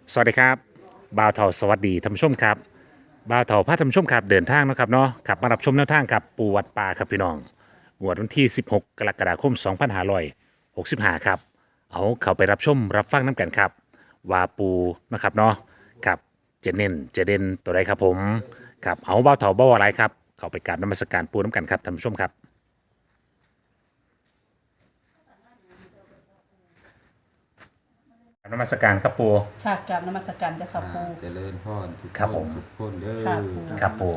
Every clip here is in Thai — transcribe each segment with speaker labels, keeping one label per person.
Speaker 1: สวัสดีครับบ่าวเถาสวัสดีท่านผู้ชมครับบ่าวเถาพาท่านผู้ชมครับเดินทางนะครับเนาะขับมารับชมแนวทางกับปูวัดป่าครับพี่น้องงวดวันที่ 16 กรกฎาคม 2565 ครับเอาเข้าไปรับชมรับฟังน้ำกันครับว่าปูนะครับเนาะครับจะเน้นจะเด่นตัวใดครับผมครับเอาบ่าวเถาบ่าวอะไรครับเข้าไปกราบนมัสการปูน้ำกันครับท่านผู้ชมครับกราบนมัสการครับปู
Speaker 2: ค่ะกราบนมัสการเจ้าค่ะปู
Speaker 3: เจริญพรทุก
Speaker 1: ครับ
Speaker 3: ค
Speaker 1: ผ
Speaker 3: น
Speaker 1: ม
Speaker 3: ทุกคนเด้อ
Speaker 2: ค่ะ
Speaker 1: ครับปู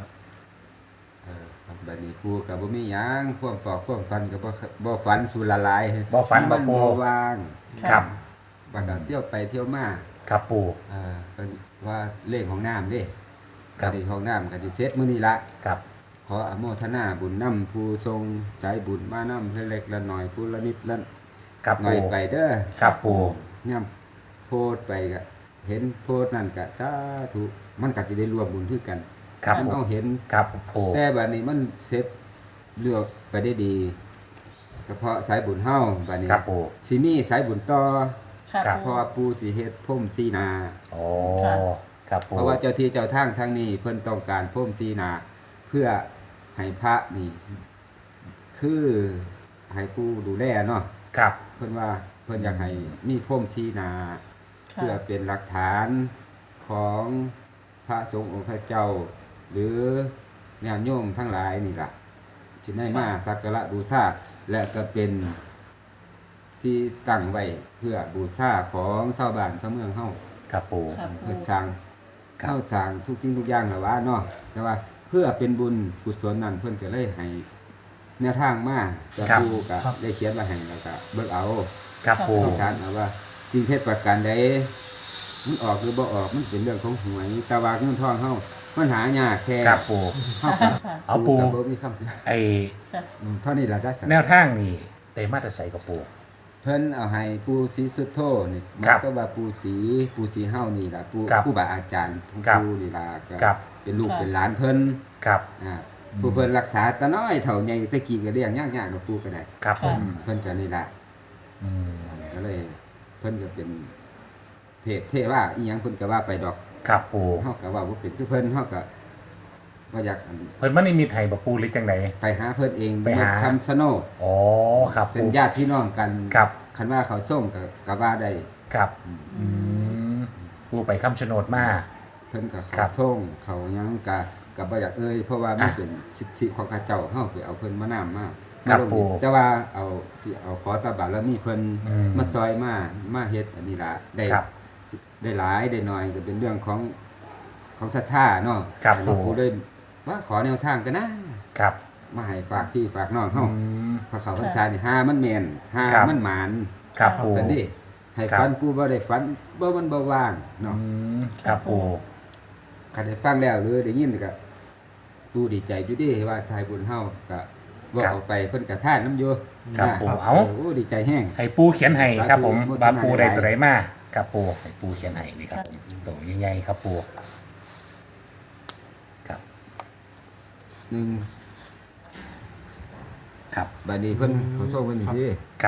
Speaker 3: ครับบัดนี้กูกับบ่มีหยังความฝอกความฝันกับบ่ฝันสู่ละลาย
Speaker 1: บ่ฝันบ่ปู
Speaker 3: บ่ว่าง
Speaker 1: ครับ
Speaker 3: บัดก็เที่ยวไปเที่ยวมา
Speaker 1: ครับปู
Speaker 3: ก็ว่าเลขของน้ำเด้
Speaker 1: ครับ
Speaker 3: เลขของน้ำก็สิเสร็จมื้อนี้ละ
Speaker 1: ครับ
Speaker 3: ขออโมทนาบุญนำผู้ทรงสายบุญมานำเล็กๆละน้อยผู้ละนิดละ
Speaker 1: ครับ
Speaker 3: หน่อ
Speaker 1: ปู
Speaker 3: ยไปเด้อ
Speaker 1: ครับปู
Speaker 3: ย่ํโพสต์ไปก็เห็นโพสต์นั่นก็สาธุมันก็สิได้รวมบุญคือกัน
Speaker 1: ครับ
Speaker 3: มัน
Speaker 1: ปู
Speaker 3: ต้องเห็น
Speaker 1: ครับปู
Speaker 3: แต่บัดนี้มันเสร็จเลือกไปได้ดีเฉพาะสายบุญเฮาบัดนี้
Speaker 1: ครับปู
Speaker 3: สิมีสายบุญต่อ
Speaker 2: ค่ะ
Speaker 1: ครับ
Speaker 3: เพ
Speaker 2: ปู
Speaker 3: ราะว่าปู่สิเฮ็ดพรมสีนา
Speaker 1: โอ้
Speaker 2: ค่ะ
Speaker 1: ครับปู
Speaker 3: เพราะว่าเจ้าที่เจ้าทางทางนี้เพิ่นต้องการพรมสีนา เพื่อให้พระนี่ คือให้ผู้ดูแลเนาะ
Speaker 1: ครับ
Speaker 3: เพิ่นว่าเพิ่นอยากให้มีพรมสีนา
Speaker 2: ค่ะ
Speaker 3: เพื่อเป็นหลักฐานของพระสงฆ์องค์พระเจ้า หรือญาติโยมทั้งหลายนี่ล่ะจะได้มาสักการะบูชาและก็เป็นที่ตั้งไว้เพื่อบูชาของชาวบ้านชาวเมืองเฮา
Speaker 1: ครับปู
Speaker 2: ค่ะปู
Speaker 3: เพื่อสร้าง
Speaker 1: ครับ
Speaker 3: เข้าสร้างทุกสิ่งทุกอย่างล่ะว่าเนาะแต่ว่าเพื่อเป็นบุญกุศลนั้นเพิ่นก็เลยให้แนวทางมาจะผู้ก็ได้เขียนไว้ให้แล้วก็เบิ่งเอา
Speaker 1: ครับปู
Speaker 3: ต้องการเอาว่าจริงเท็จประการใดมันออกหรือบ่ออกมันเป็นเรื่องของหวยแต่ว่าเงินทองเฮามันหายากแค่
Speaker 1: ครับปู
Speaker 3: เฮาก็
Speaker 2: ค่ะ
Speaker 1: เอาปู
Speaker 3: ก็บ่มีคำสิ
Speaker 1: ไอ
Speaker 2: ค่ะ
Speaker 3: เท่านี้ล่ะได้สัก
Speaker 1: แนวทางนี่ได้มาแต่ใส่กับปู
Speaker 3: เพิ่นเอาให้ปู่ศรีสุโธนี่มั
Speaker 1: ครับ
Speaker 3: ก็ว่าปู่ศรีเฮานี่ล่ะปู่
Speaker 1: ครับ
Speaker 3: ผู้บาอาจารย์ของ
Speaker 1: ครับ
Speaker 3: ปู่นี่ล่ะก็
Speaker 1: ครับ
Speaker 3: เป็นลูกเป็นหลานเพิ่น
Speaker 1: ครับ
Speaker 3: ผู้เพิ่นรักษาตาน้อยเท่าใหญ่ตะกี้ก็เลี้ยงยากๆกับปู่ก็ได้
Speaker 1: ครับผม
Speaker 3: เพิ่นก็นี่ล่ะ
Speaker 1: อืม
Speaker 3: ก็เลยเพิ่นก็เป็นเทว่าอีหยังเพิ่นก็ว่าไปดอก
Speaker 1: ครับปู
Speaker 3: เฮาก็ว่าบ่เป็นคือเพิ่นเฮาก็ว่าอยาก
Speaker 1: เพิ่นมันนี่มีไทยบ่ปูหรือจังได
Speaker 3: ไปหาเพิ่นเอง
Speaker 1: ไปหา
Speaker 3: คำชะโนด
Speaker 1: อ๋อครับ
Speaker 3: เป็
Speaker 1: ปู
Speaker 3: นญาติพี่น้องกัน
Speaker 1: ครับ
Speaker 3: คันว่าเขาส่งก็ว่าได้
Speaker 1: ครับอืมปูไปคำชะโนดมา
Speaker 3: เพิ่นก็
Speaker 1: ครั
Speaker 3: เขา
Speaker 1: บ
Speaker 3: ท่งเขาหยังก็บ่อยากเพราะว่ามันเป็นสิทธิของข้าเจ้าเฮาไปเอาเพิ่นมานํมา
Speaker 1: ครับ
Speaker 3: ลง
Speaker 1: ปู่
Speaker 3: แต่ว่าสิเอาขอตาบารแล้วมีเพิ่น
Speaker 1: อืม
Speaker 3: มาซอยมาเฮ็ดอันนี้ล่ะได้
Speaker 1: ครับ
Speaker 3: ได้หลายได้น้อยก็เป็นเรื่องของศรัทธาเนาะ
Speaker 1: ครับ
Speaker 3: แต่หลวง
Speaker 1: ปู่
Speaker 3: ปู่ได้ว่าขอแนวทางกันนะ
Speaker 1: ครับ
Speaker 3: มาให้ฝากพี่ฝากน้องเฮา
Speaker 1: อืม
Speaker 3: พระเขาพรรษานี่หามันแม่นหา
Speaker 1: ครับ
Speaker 3: มันหมาน
Speaker 1: ครับปู
Speaker 3: สันดิให้
Speaker 1: ครับ
Speaker 3: ฝันปู่บ่ได้ฝันบ่มันบ่ว่างเนาะ
Speaker 1: อืมครับปู
Speaker 3: คันได้ฟังแล้วหรือได้ยินก็ปู่ดีใจอยู่เดิว่าสายบุญเฮาก็บ่เอาไปเพิ่นก็ท่านน้ำอยู่
Speaker 1: ครับ
Speaker 3: นะ
Speaker 1: ปูเอา
Speaker 3: โอ้ดีใจแห้ง
Speaker 1: ให้ปูเขียนให้ครับผม
Speaker 3: สาธุ
Speaker 1: บาปูได้
Speaker 3: โมทนา
Speaker 1: ตัวไหนมาครับปูให้ปูเขียนให้นี่ครับผมตัวใหญ่ๆครับปูครับ
Speaker 3: หนึ่ง
Speaker 1: ครับ
Speaker 3: บัดนี้เพิ่นเขาส่งเพิ่นนี่สิ
Speaker 1: ครับ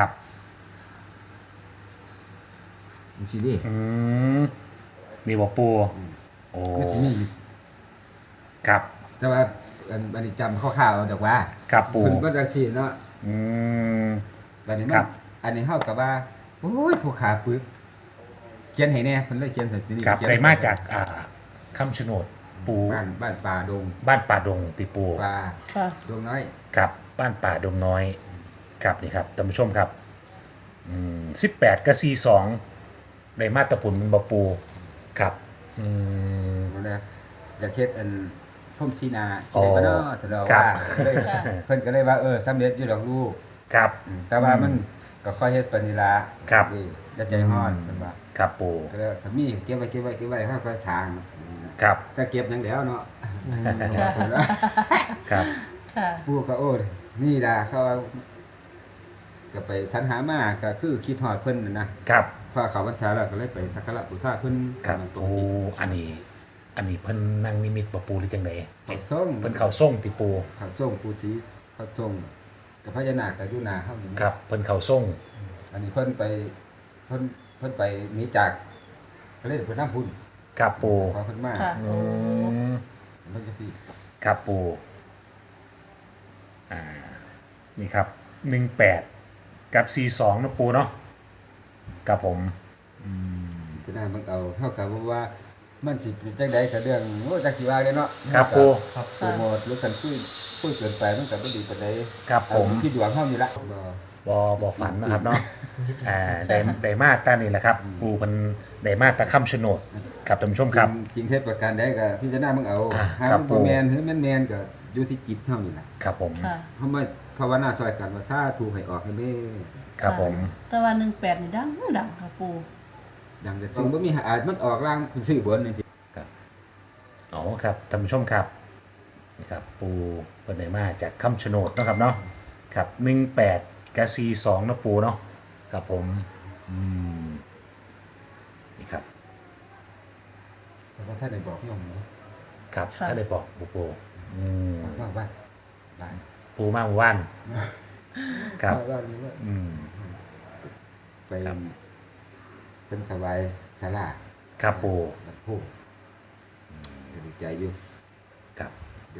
Speaker 3: นี่สิดิ
Speaker 1: อืมมีบอกปูโอ้
Speaker 3: มันสิมีอยู่
Speaker 1: ครับ
Speaker 3: แต่ว่าอันนี้จำคร่าวๆเอาดอกว่า
Speaker 1: ครับปู
Speaker 3: เพิ่นก็จังซี่เนาะ
Speaker 1: อืม
Speaker 3: บัดนี้
Speaker 1: ครั
Speaker 3: มัน
Speaker 1: บ
Speaker 3: อันนี้เฮาก็ว่าโอ้ยผู้ขาปึกเขียนให้แน่เพิ่นเลยเขียนให้นี่
Speaker 1: ครับ
Speaker 3: เขียน
Speaker 1: ได้มาจากคำชะโนดปู
Speaker 3: บ้านป่าดง
Speaker 1: บ้านป่าดงติปู
Speaker 3: ป่า
Speaker 2: ค่ะ
Speaker 3: ดงน้อย
Speaker 1: ครับบ้านป่าดงน้อยครับนี่ครับท่านผู้ชมครับ18กับ42ได้มาตรผลมันบ่ปูครับอืม
Speaker 3: บ่ได้อยากเฮ็ดอันพรมสีนา
Speaker 1: อ๋
Speaker 3: สิ
Speaker 1: อ
Speaker 3: ได้บ่เนาะสะดอก
Speaker 1: ครับ
Speaker 3: ว่าเลยเพิ่นก็เลยว่าสำเร็จอยู่ดอกลูก
Speaker 1: ครับ
Speaker 3: แต่ว่ามันก็ค่อยเฮ็ดปานนี้ล่ะ
Speaker 1: ครับ
Speaker 3: อย่าใจฮ้อนเพิ่นว่า
Speaker 1: ครับปู
Speaker 3: ก็เลยถ้ามีเก็บไว้เฮาก็สร้าง
Speaker 1: ครับ
Speaker 3: แต่เก็บหยังแล้วเนาะ
Speaker 1: ครับ
Speaker 2: ค่ะ
Speaker 3: ปู่ก็โอ้ยนี่ล่ะเขาว่าก็ไปสรรหามาก็คือคิดฮอดเพิ่นน่ะนะครับ พอเขาพรรษาแล้วก็เลยไปสักการะบูชาเพิ่น
Speaker 1: ครับ
Speaker 3: ตร
Speaker 1: โอ้
Speaker 3: งนี้
Speaker 1: อันนี้เพิ่นนั่งนิมิตบ่ปูหรือจังได
Speaker 3: เขาส่ง
Speaker 1: เพิ่นเข้าส่งติปู
Speaker 3: เขาส่งปู่ศรีเขาส่งกับพญานาคก็อยู่หน้าเฮานี่นะ
Speaker 1: ครับเพิ่นเข้าส่ง
Speaker 3: อันนี้เพิ่นไปหนีจากไปเลยไปน้ำพุ่น
Speaker 1: ครับปู
Speaker 3: ขอเพิ่นมา
Speaker 2: ค่ะ
Speaker 1: อืม
Speaker 3: เพิ่นจะพี่
Speaker 1: ครับปูนี่ครับ18กับ42นะปูเนาะครับผม
Speaker 3: จะน่ามันเอาเท่ากับว่ามันสิเป็นจังใดกับเรื่องโอ้จักสิว่าเลยเนาะ
Speaker 1: ครับปู
Speaker 3: ครับโปรโมทหรือกันคุยเกินไปมันก็บ่ดีปานใด
Speaker 1: ครับผม
Speaker 3: เอาที่ดวงเฮานี่ละบ่
Speaker 1: บอฝันนะครับเนาะได้มาตานี่แหละครับ ปูมันได้มาตาค่ำโฉนดครับท่านผู้ชมครับ
Speaker 3: จริงเท็จประการใดก็พิจารณามึงเอา หา
Speaker 1: ครับ
Speaker 3: มันบ่แม่นหรือแม่นก็อยู่ที่จิตเฮานี่ล่ะ
Speaker 1: ครับผม
Speaker 2: ค่ะ
Speaker 3: เฮามาภาวนาซอยกันว่าถ้าถูกให้ออกให้แม่
Speaker 1: ครับผม
Speaker 2: แต่ว่า18นี่ดังค่ะปู
Speaker 3: ดังแต่ซึ่งบ่มีอาจมันออกล่างซื้อบนจังซี่
Speaker 1: อ๋อครับท่านผู้ชมครับนี่ครับปูเป็นไหนมาจากค่ำโฉนดเนาะครับเนาะครับ18กับ42นะปูเนาะครับผมนี่ครับ
Speaker 3: แต่ว่าถ้าได้บอกโยมเนาะ
Speaker 1: ครับถ้าได้บอกปูม
Speaker 3: ว่าได้
Speaker 1: ปูมาหมู่บ้านครับ
Speaker 3: ว่านี่ว่า ไป
Speaker 1: ครับ
Speaker 3: เป็นถวายศาลา
Speaker 1: ครับปู
Speaker 3: บัดโพก็ดีใจอยู่
Speaker 1: ครับ
Speaker 3: ดี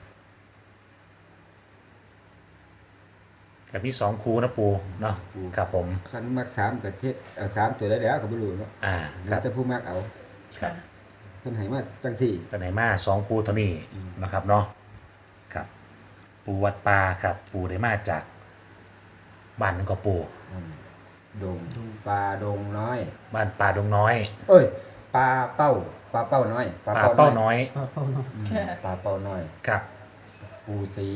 Speaker 1: กับมี2คูนะปูเนาะครับผม
Speaker 3: คันมัก3ก็เฮ็ดเอา3ตัวได้แล้วก็บ่รู้เนาะ
Speaker 1: ค
Speaker 3: แล้
Speaker 1: รั
Speaker 3: ว
Speaker 1: บ
Speaker 3: แต่ผู้มักเอา
Speaker 1: ครับ
Speaker 3: เพิ่นให้มาจังซี่
Speaker 1: แต่ไหนมา2คูเท่านี้นะครับเนาะครับ ปูวัดปลาครับปูได้มาจากบ้านนั่นก็ปู
Speaker 3: ดงปลาดงน้อย
Speaker 1: บ้านป่าดงน้อย
Speaker 3: เอ้ยปลาเป้าน้อย
Speaker 1: ป่าเป้าน้อย
Speaker 2: ค่ะ
Speaker 3: ปลาเป้าน้อย
Speaker 1: ครับ
Speaker 3: ปูสี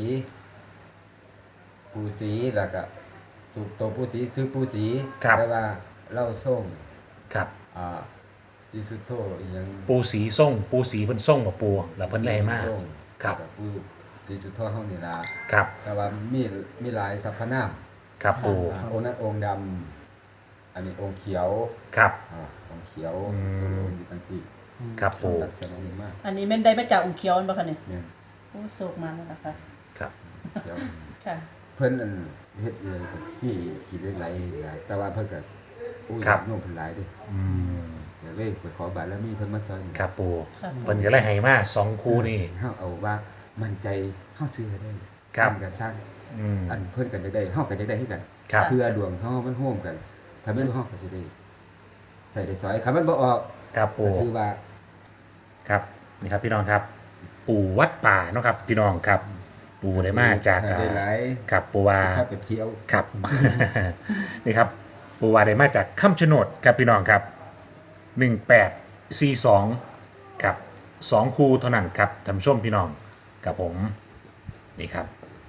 Speaker 3: แล้วก็ตัวปูสีซื้อปูสี
Speaker 1: ครับ
Speaker 3: แต่ว่าเหล้าส้ม
Speaker 1: ครับ
Speaker 3: สีสุดโทอีหยัง
Speaker 1: ปูสีส้มปูสีเพิ่นส้มกับปูแล้วเพิ่นเลยมาก
Speaker 3: ส้
Speaker 1: ครับ
Speaker 3: ปูสีสุดโทเฮานี่ล่ะ
Speaker 1: ครับ
Speaker 3: แต่ว่ามีหลายสรรพนาม
Speaker 1: ครับปู
Speaker 3: องค์นั้นองค์ดำอันนี้องค์เขียว
Speaker 1: ครับ
Speaker 3: องค์เขียว
Speaker 1: อืม
Speaker 3: อยู่ตั้งสี่
Speaker 1: ครับปู
Speaker 3: ลักษณะนี้มาก
Speaker 2: อันนี้แม่นได้มาจากองค์เขียวนั่นบ่คะเนี่ย
Speaker 3: เนี่ย
Speaker 2: โอ้โศกมาแล้วนะคะ
Speaker 1: ครับ
Speaker 3: เขียว
Speaker 2: ค่ะ
Speaker 3: เพิ่นอันเฮ็ดเลยมีกินได้หลายอย่างแต่ว่าเพิ่นก็อุ้ยโน้มเพิ่นหลายเด้
Speaker 1: อืม
Speaker 3: เดี๋ยวเลยไปขอบารมีเพิ่นมาซอย
Speaker 1: ครับปู
Speaker 2: ครับ
Speaker 1: เพิ่นก็เลยให้มา2คูนี่
Speaker 3: เฮาเอาว่ามั่นใจเฮาซื้อได้
Speaker 1: ครับ
Speaker 3: อันก็สร้าง
Speaker 1: อืม
Speaker 3: อันเพิ่นก็จะได้เฮาก็จะได้คือกัน
Speaker 1: ครับ
Speaker 3: เพื่อดวงเฮามันร่วมกันถ้าแม่นเฮาก็สิได้ใส่ได้ซอยคันมันบ่ออก
Speaker 1: ครับปู
Speaker 3: ก็ถือว่า
Speaker 1: ครับนี่ครับพี่น้องครับ ปูวัดป่าเนาะครับ พี่น้องครับ ปูได้มาจาก
Speaker 3: ได้หลาย
Speaker 1: ครับปูว่า
Speaker 3: ถ้าไปเที่ยว
Speaker 1: ครับ นี่ครับปูวาได้มาจากคำชะโนดครับพี่น้องครับ1842ครับ2คู่เท่านั้นครับท่านผู้ชมพี่น้องกับผมนี่ครับ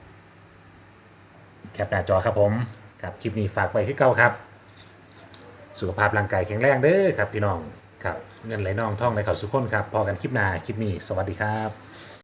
Speaker 1: แคปหน้าจอครับผมครับคลิปนี้ฝากไว้ที่เก่าครับ สุขภาพร่างกายแข็งแรงเด้อครับพี่น้องครับเงินไหลนองท่องไหลเข่าสุขคนครับพอกันคลิปหน้าคลิปนี้สวัสดีครับ